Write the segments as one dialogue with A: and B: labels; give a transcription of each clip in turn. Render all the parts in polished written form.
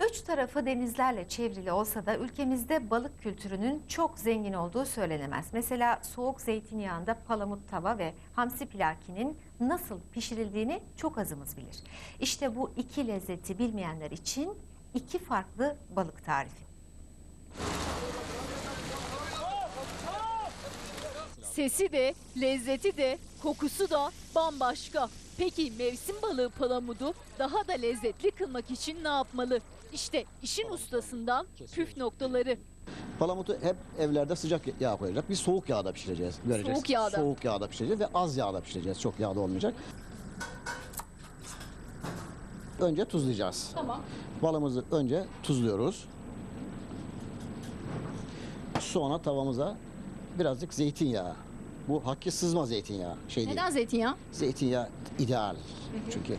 A: Üç tarafı denizlerle çevrili olsa da ülkemizde balık kültürünün çok zengin olduğu söylenemez. Mesela soğuk zeytinyağında palamut tava ve hamsi pilakinin nasıl pişirildiğini çok azımız bilir. İşte bu iki lezzeti bilmeyenler için iki farklı balık tarifi.
B: Sesi de, lezzeti de, kokusu da bambaşka. Peki mevsim balığı palamudu daha da lezzetli kılmak için ne yapmalı? İşte işin ustasından püf noktaları.
C: Palamutu hep evlerde sıcak yağ koyacak. Biz soğuk yağda pişireceğiz. Göreceğiz.
B: Soğuk yağda.
C: Soğuk yağda pişireceğiz ve az yağda pişireceğiz. Çok yağda olmayacak. Önce tuzlayacağız.
B: Tamam.
C: Balımızı önce tuzluyoruz. Sonra tavamıza birazcık zeytinyağı. Bu hakki sızma zeytinyağı.
B: Neden
C: Değil.
B: zeytinyağı?
C: Zeytinyağı ideal. Çünkü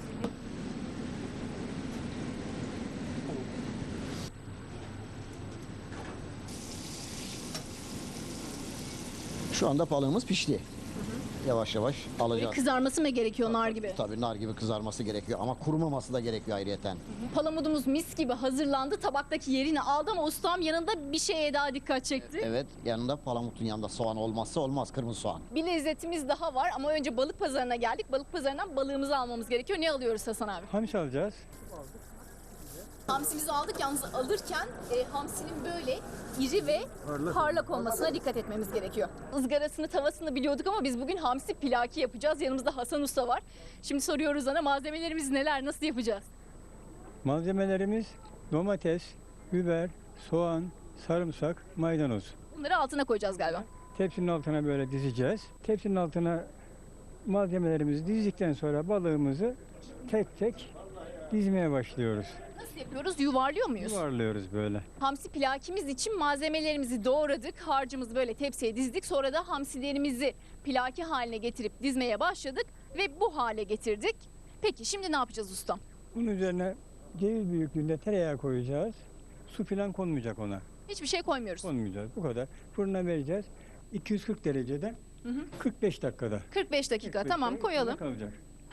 C: şu anda balığımız pişti. Yavaş yavaş alacağız.
B: Kızarması mı gerekiyor nar gibi?
C: Tabii nar gibi kızarması gerekiyor ama kurumaması da gerekiyor ayrıyeten.
B: Palamudumuz mis gibi hazırlandı. Tabaktaki yerini aldı ama ustam yanında bir şeye daha dikkat çekti.
C: Evet, yanında palamutun yanında soğan olmazsa olmaz, kırmızı soğan.
B: Bir lezzetimiz daha var ama önce balık pazarına geldik. Balık pazarından balığımızı almamız gerekiyor. Ne alıyoruz Hasan abi?
D: Hamsi alacağız.
B: Hamsimizi aldık. Yalnız alırken hamsinin böyle iri ve parlak olmasına dikkat etmemiz gerekiyor. Izgarasını, tavasını biliyorduk ama biz bugün hamsi pilaki yapacağız. Yanımızda Hasan Usta var. Şimdi soruyoruz ona malzemelerimiz neler, nasıl yapacağız?
D: Malzemelerimiz domates, biber, soğan, sarımsak, maydanoz.
B: Bunları altına koyacağız galiba.
D: Tepsinin altına böyle dizeceğiz. Tepsinin altına malzemelerimizi dizdikten sonra balığımızı tek tek dizmeye başlıyoruz.
B: Nasıl yapıyoruz? Yuvarlıyor muyuz?
D: Yuvarlıyoruz böyle.
B: Hamsi pilakimiz için malzemelerimizi doğradık. Harcımızı böyle tepsiye dizdik. Sonra da hamsilerimizi pilaki haline getirip dizmeye başladık ve bu hale getirdik. Peki şimdi ne yapacağız ustam?
D: Bunun üzerine ceviz büyüklüğünde tereyağı koyacağız. Su falan konmayacak ona.
B: Hiçbir şey koymuyoruz.
D: Konmayacağız. Bu kadar. Fırına vereceğiz. 240 derecede 45 dakikada.
B: 45 dakika.
D: 45
B: Tamam
D: dakika
B: koyalım.
D: kalacak.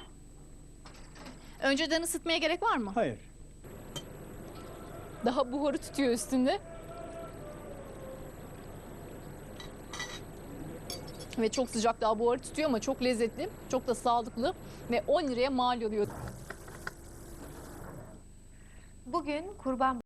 B: Önceden ısıtmaya gerek var mı?
D: Hayır.
B: Daha buharı tutuyor üstünde. Ve çok sıcak, daha buharı tutuyor ama çok lezzetli, çok da sağlıklı ve 10 liraya mal oluyor.
A: Bugün Kurban